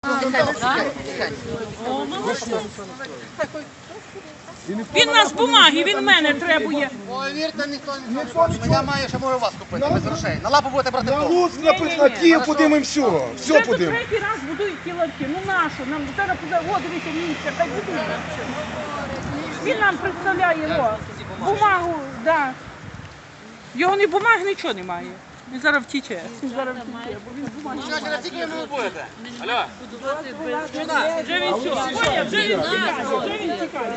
Він нас бумаги, він мене требує. Повірте, ніхто не хоче. Я маю, що можу вас купити без грошей. На лапу будете брати На хто? Луцьк, на Київ подимемо все. Все Вже подимемо. третій раз будують ті ларки. Ну нащо? Нам зараз буде, о, дивіться, місце, хай будують. Він нам представляє, о, бумагу, да. Його ні бумаги, нічого немає. Він зараз втіче. Він зараз втіче, бо він бумаги. Що, через скільки ви будете? Алло. Вже він все, поняв, вже він тікає, вже він тікає.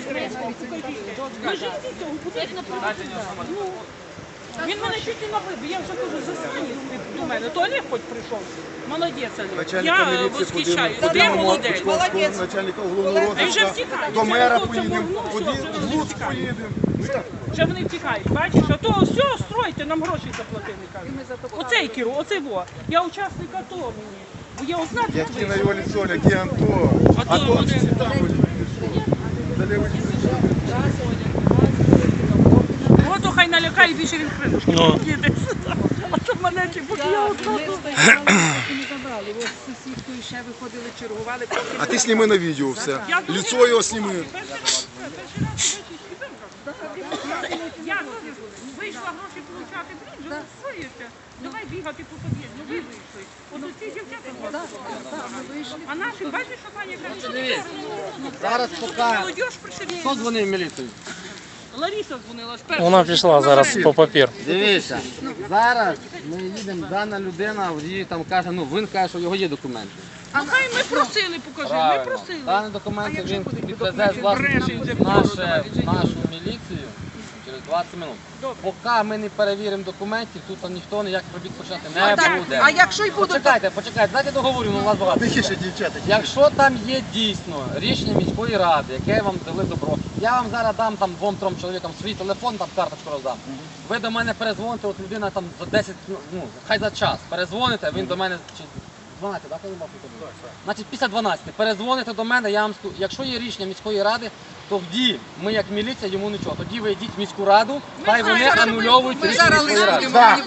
Він мене чуть не набив, я вже кажу, застані до мене. То Олег хоч прийшов. Молодець, Олег. Я восхищаю. Ти молодець. Начальника головного А він вже втікає. до мера Вже поїдемо, все, в Луцьк поїдемо. вже вони втікають, бачиш? А то все, стройте, нам гроші заплатили, кажуть. Оцей Кіру, оцей во. Я учасник АТО мені. Бо я узнати не Які на вийшла. його лицо, які Анто. Ато вони. Ото хай налякає, більше він хренушки їде. А то мене чи поки я одна. Не забрали, ось з сусідкою ще виходили, чергували. А ти сніми на відео все. Лицо його сніми. Я вийшла гроші получати, блін, вже засуєшся. Давай бігати по під'їзду, ну ви вийшли. От ці дівчата вийшли. А наші, бачиш, що пані каже, Зараз поки. молодіж пришли. Хто дзвонив в міліцію? Лариса дзвонила ж перша. Вона пішла зараз по папір. Дивіться, зараз ми їдемо, дана людина, водій там каже, ну він каже, що його є документи. А хай ми просили, покажи, ми просили. Дані документи він підвезе з власності в нашу міліцію через 20 минут. Поки ми не перевіримо документів, тут ніхто ніяких робіт почати не буде. А якщо й будуть, Почекайте, дайте договорю, у вас багато. Тихіше, дівчата. Якщо там є дійсно рішення міської ради, яке вам дали добро, я вам зараз дам там 2-3 чоловікам свій телефон, там карточку роздам. Ви до мене перезвоните, от людина там за 10, ну, хай за час перезвоните, він до мене, чи 12, так? Значить, після 12 перезвоните до мене, я вам скажу, якщо є рішення міської ради, тоді ми як міліція йому нічого. Тоді ви йдіть в міську раду, хай вони анулюють рішення міської ради.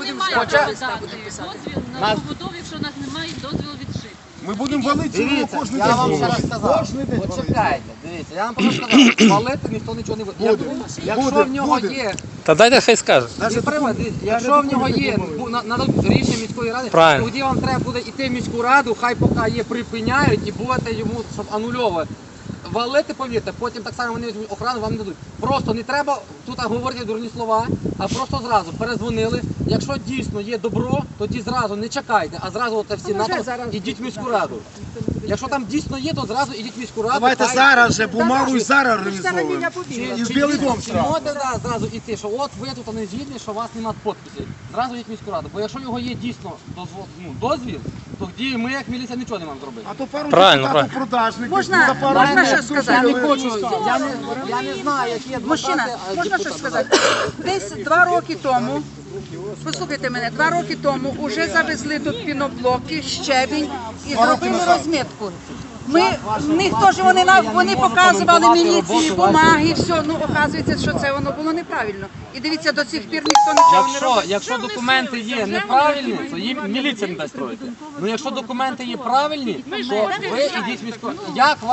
Дозвіл на побудову, якщо у нас немає дозволу від ЖИК. Ми будемо валити його Дивіться, кожен я день. вам зараз сказав, Кожен день валити. почекайте, дивіться, я вам просто сказав, валити ніхто нічого не буде. Якщо в нього є, Та дайте хай скаже. якщо в нього є нададуть рішення міської ради, Правильно. тоді вам треба буде йти в міську раду, хай поки є припиняють і будете йому, щоб анульовувати. Валити, повірте, потім так само вони візьмуть охрану, вам не дадуть. Просто не треба тут говорити дурні слова, а просто зразу перезвонили. Якщо дійсно є добро, тоді зразу не чекайте, а зразу от всі ідіть в міську раду. Якщо там дійсно є, то зразу ідіть в міську раду. Давайте хай- зараз же бумагу і зараз організовуємо. І в Білий дом Чи сразу. можете зразу йти, що от ви тут не згідні, що у вас немає підписів. Зразу йдіть в міську раду. Бо якщо його є дійсно дозвіл, тоді ми як міліція нічого не маємо зробити. А то пару Правильно, депутатів продажників. Можна- за пару можна днів ще сказати? Я не душили. хочу, я не знаю, які адвокати, Мужчина, можна щось сказати? Десь 2 роки тому, послухайте мене, 2 роки тому вже завезли тут піноблоки, щебінь і зробили розмітку. В них теж вони показували міліції, бумаги, все, ну оказується, що це воно було неправильно. І дивіться, до цих пір ніхто нічого не робить. Якщо документи є неправильні, то їм міліція не дасть строїти. Ну якщо документи є правильні, то ви йдіть в міську раду.